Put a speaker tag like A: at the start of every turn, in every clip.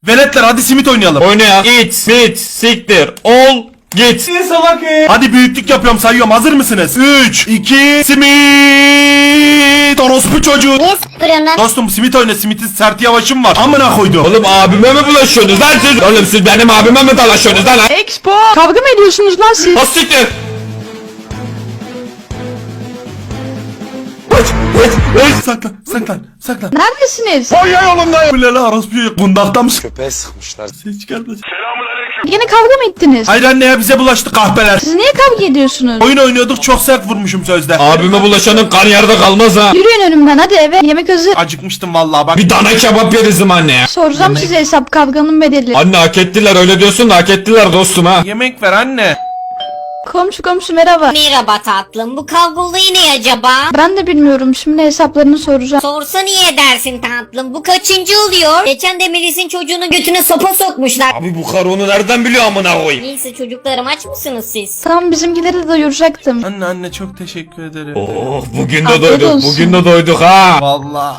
A: Veletler hadi simit oynayalım.
B: Oyna ya. It, sit, siktir, ol, git.
A: Ne salak Hadi büyüklük yapıyorum sayıyorum hazır mısınız? 3, 2, simit. Orospu çocuğu.
C: Niye sıkıyorsun lan?
A: Dostum simit oyna simitin sert yavaşım var. Amına koydum.
B: Oğlum abime mi bulaşıyorsunuz lan siz? Oğlum siz benim abime mi dalaşıyorsunuz lan?
D: Expo. Kavga mı ediyorsunuz lan siz?
B: Ha siktir.
A: Saklan.
D: Neredesiniz?
A: Ay yolumdayım. Bu ne lan orospu çocuğu? Kundakta mısın?
E: Köpeğe sıkmışlar.
A: Ses çıkarma.
D: Yine kavga mı ettiniz?
A: Hayır anne ya bize bulaştı kahpeler.
D: Siz niye kavga ediyorsunuz?
A: Oyun oynuyorduk çok sert vurmuşum sözde.
B: Abime bulaşanın kan yerde kalmaz ha.
D: Yürüyün önümden hadi eve. Yemek hazır.
A: Acıkmıştım vallahi bak.
B: Bir dana kebap yeriz anne ya.
D: Soracağım size hesap kavganın bedeli.
B: Anne hak ettiler öyle diyorsun da hak ettiler dostum ha.
A: Yemek ver anne.
D: Komşu merhaba.
C: Merhaba tatlım. Bu kavga olayı ne acaba?
D: Ben de bilmiyorum şimdi hesaplarını soracağım.
C: Sorsa niye edersin tatlım? Bu kaçıncı oluyor? Geçen de Melis'in çocuğunun götüne sopa sokmuşlar.
B: Abi bu karı onu nereden biliyor amına koyayım?
C: Neyse çocuklarım aç mısınız siz?
D: Tamam bizimkileri de doyuracaktım.
A: Anne çok teşekkür ederim.
B: Oh bugün de
D: Afiyet
B: doyduk
D: olsun.
B: bugün de doyduk ha.
A: Vallahi.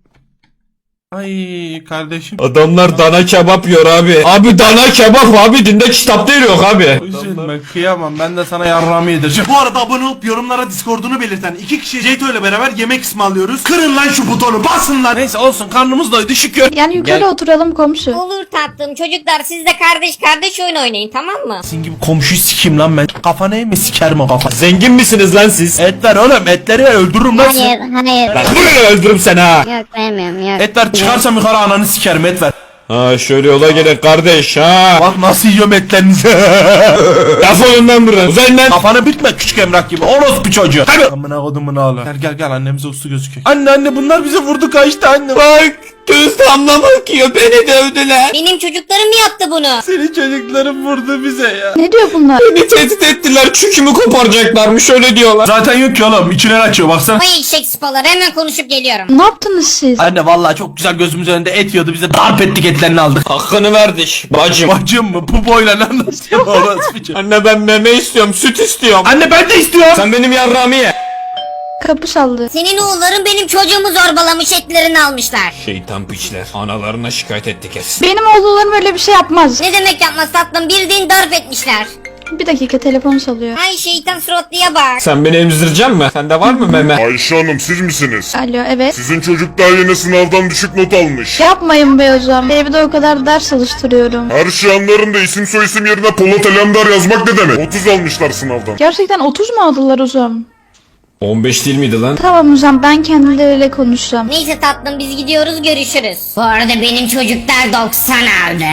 A: Ay kardeşim.
B: Adamlar dana kebap yiyor abi. Abi dana kebap abi dinde kitapta yok abi.
A: Üzülme kıyamam ben de sana yarrağımı yedireceğim. Bu arada abone olup yorumlara Discord'unu belirten iki kişi Ceyto ile beraber yemek ısmarlıyoruz. Kırın lan şu butonu basın lan. Neyse olsun karnımız doydu şükür.
D: Yani yukarı oturalım komşu.
C: Olur tatlım. Çocuklar siz de kardeş oyun oynayın tamam mı?
A: Senin gibi komşuyu sikeyim lan ben. Kafana eğme sikerim o kafa.
B: Zengin misiniz lan siz?
A: Et ver oğlum etleri ver öldürürüm lan seni.
C: hayır.
B: Lan buraya öldürürüm seni ha.
C: Yok vermiyorum yok.
A: Et ver çıkarsam yukarı ananı sikerim et ver.
B: Ha şöyle yola gelin kardeş ha.
A: Bak nasıl yiyorum etlerinizi.
B: Defolun lan buradan. Uzayın lan.
A: Kafanı bitme küçük emrak gibi orospu çocuğu. Hadi. Amına kodumun oğlu. Gel annemize uslu gözüküyor. Anne bunlar bize vurdu kaçtı anne.
B: Bak göz damla bakıyor beni dövdüler.
C: Benim çocuklarım mı yaptı bunu?
A: Senin çocukların vurdu bize ya.
D: Ne diyor bunlar?
B: Beni tehdit ettiler çükümü koparacaklarmış öyle diyorlar.
A: Zaten yok ki oğlum içine açıyor baksana.
C: Ay eşek sıpaları hemen konuşup geliyorum.
D: Ne yaptınız siz?
A: Anne vallahi çok güzel gözümüz önünde et yiyordu bize darp ettik etlerini aldık.
B: Hakkını verdik bacım.
A: Bacım mı bu boyla lan nasıl orospu çocuğu.
B: Anne ben meme istiyorum süt istiyorum.
A: Anne ben de istiyorum.
B: Sen benim yarrağımı ye.
D: Kapı çaldı.
C: Senin oğulların benim çocuğumu zorbalamış etlerini almışlar.
B: Şeytan piçler analarına şikayet etti kes.
D: Benim oğullarım öyle bir şey yapmaz.
C: Ne demek yapmaz tatlım bildiğin darp etmişler.
D: Bir dakika telefon çalıyor.
C: Ay şeytan suratlıya bak.
B: Sen beni emzireceksin mi? Sende var mı meme?
E: Ayşe Hanım siz misiniz?
D: Alo evet.
E: Sizin çocuklar yine sınavdan düşük not almış.
D: Yapmayın be hocam. Evde o kadar ders çalıştırıyorum.
E: Her şey anlarım da isim soyisim yerine Polat Alemdar yazmak ne demek? 30 almışlar sınavdan.
D: Gerçekten 30 mu aldılar hocam?
B: 15 değil miydi lan?
D: Tamam hocam ben kendileriyle konuşacağım.
C: Neyse tatlım biz gidiyoruz görüşürüz. Bu arada benim çocuklar 90 aldı.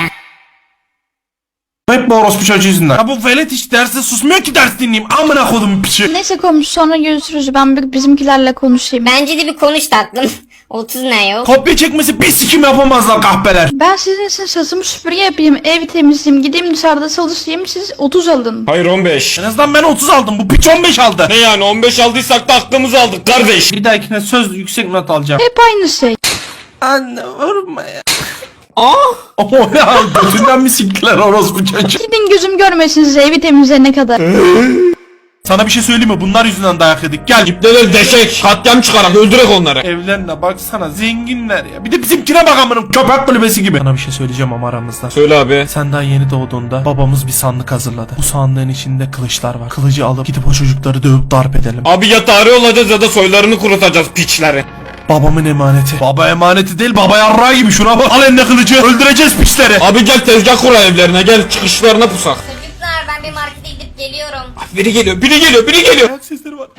A: Hep bu orospu çocuğu yüzünden. Ya bu velet hiç derste susmuyor ki ders dinleyeyim. Amına kodum piçi.
D: Neyse komşu sonra görüşürüz. Ben bizimkilerle konuşayım.
C: Bence de bir konuş tatlım. 30 ne yok?
A: Kopya çekmesi bir sikim yapamazlar kahpeler.
D: Ben sizin için saçımı süpürge yapayım, ev temizleyeyim, gideyim dışarıda çalışayım, siz 30 alın.
B: Hayır 15.
A: En azından ben 30 aldım bu piç 15 aldı.
B: Ne yani 15 aldıysak da aklımızı aldık kardeş.
A: Bir dahakine söz yüksek not alacağım.
D: Hep aynı şey.
A: Anne vurma ya.
B: Aa!
A: O ne al gözünden mi siktiler orospu çocuğu?
D: Gidin gözüm görmesin size evi temizleyene kadar.
A: Sana bir şey söyleyeyim mi? Bunlar yüzünden dayak yedik. Gel.
B: İpneler deşek. Katliam çıkarak öldürek onları.
A: Evlerine baksana zenginler ya. Bir de bizimkine bak amınım köpek kulübesi gibi. Sana bir şey söyleyeceğim ama aramızda.
B: Söyle abi.
A: Sen daha yeni doğduğunda babamız bir sandık hazırladı. Bu sandığın içinde kılıçlar var. Kılıcı alıp gidip o çocukları dövüp darp edelim.
B: Abi ya tarih olacağız ya da soylarını kurutacağız piçleri.
A: Babamın emaneti. Baba emaneti değil baba yarrağı gibi şuna bak. Al eline kılıcı öldüreceğiz piçleri.
B: Abi gel tezgah kur evlerine gel çıkışlarına pusak.
C: Çocuklar ben bir markete gidip geliyorum.
B: Biri geliyor biri geliyor biri geliyor.
A: Ayak sesleri var.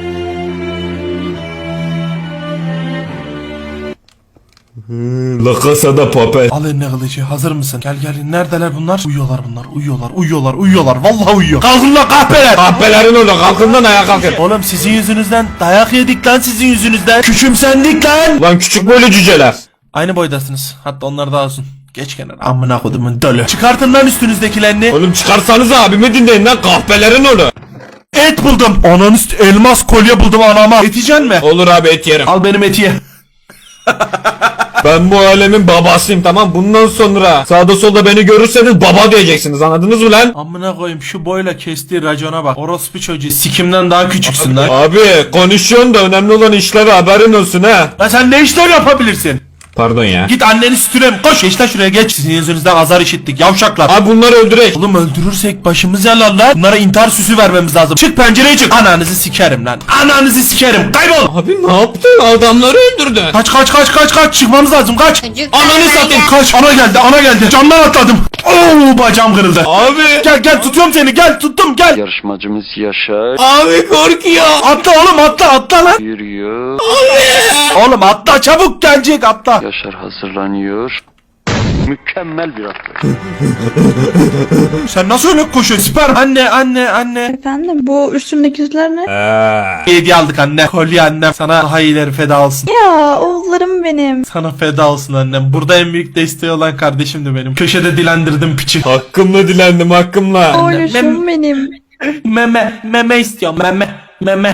B: La Casa de Papel.
A: Al eline kılıcı hazır mısın? Gel neredeler bunlar? Uyuyorlar bunlar uyuyorlar. Vallahi uyuyor. Kalkın lan kahpeler.
B: Kahpelerin orada kalkından ayağa kalkın.
A: Oğlum sizin yüzünüzden dayak yedik lan sizin yüzünüzden. Küçümsendik lan.
B: Lan küçük böyle cüceler.
A: Aynı boydasınız. Hatta onlar daha uzun. Geç kenara. Amına kodumun dölü. Çıkartın lan üstünüzdekilerini.
B: Oğlum çıkarsanız abimi dinleyin lan kahpelerin oğlu.
A: Et buldum. Ananı elmas kolye buldum anama. Et yiyeceksin mi?
B: Olur abi et yerim.
A: Al benim eti ye.
B: Ben bu alemin babasıyım tamam. Bundan sonra sağda solda beni görürseniz baba diyeceksiniz anladınız mı lan?
A: Amına koyayım şu boyla kestiği racona bak. Orospu çocuğu sikimden daha küçüksün lan.
B: Abi konuşuyorsun da önemli olan işlere haberin olsun ha.
A: Lan sen ne işler yapabilirsin?
B: Pardon ya.
A: Git anneni sütürem koş. Geç lan şuraya geç. Sizin yüzünüzden azar işittik yavşaklar.
B: Abi bunları öldürek.
A: Oğlum öldürürsek başımız yalar lan. Bunlara intihar süsü vermemiz lazım. Çık pencereye çık. Ananızı sikerim lan. Ananızı sikerim. Kaybol.
B: Abi ne yaptın? Adamları öldürdün.
A: Kaç. Çıkmamız lazım kaç.
C: Çocuklar
A: Ananı
C: böyle.
A: satayım kaç. Ana geldi. Camdan atladım. Oo bacağım kırıldı.
B: Abi.
A: Gel tutuyorum seni gel tuttum gel.
F: Yarışmacımız Yaşar
B: Abi korkuyor.
A: Atla oğlum atla lan.
F: yürüyor.
A: Oğlum atla çabuk gelecek atla.
F: Yaşar hazırlanıyor. Mükemmel bir atlet.
A: Sen nasıl öyle koşuyorsun? Süper. Anne.
D: Efendim bu üstündekiler ne?
A: Hediye aldık anne. Kolye annem. Sana daha iyileri feda olsun.
D: Ya oğullarım benim.
A: Sana feda olsun annem. Burada en büyük desteği olan kardeşimdi benim. Köşede dilendirdim piçi.
B: Hakkımla dilendim hakkımla.
D: Oğluşum benim.
A: Meme istiyorum meme.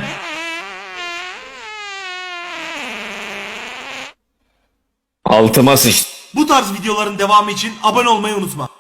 B: Altıma sıçtı.
A: Bu tarz videoların devamı için abone olmayı unutma.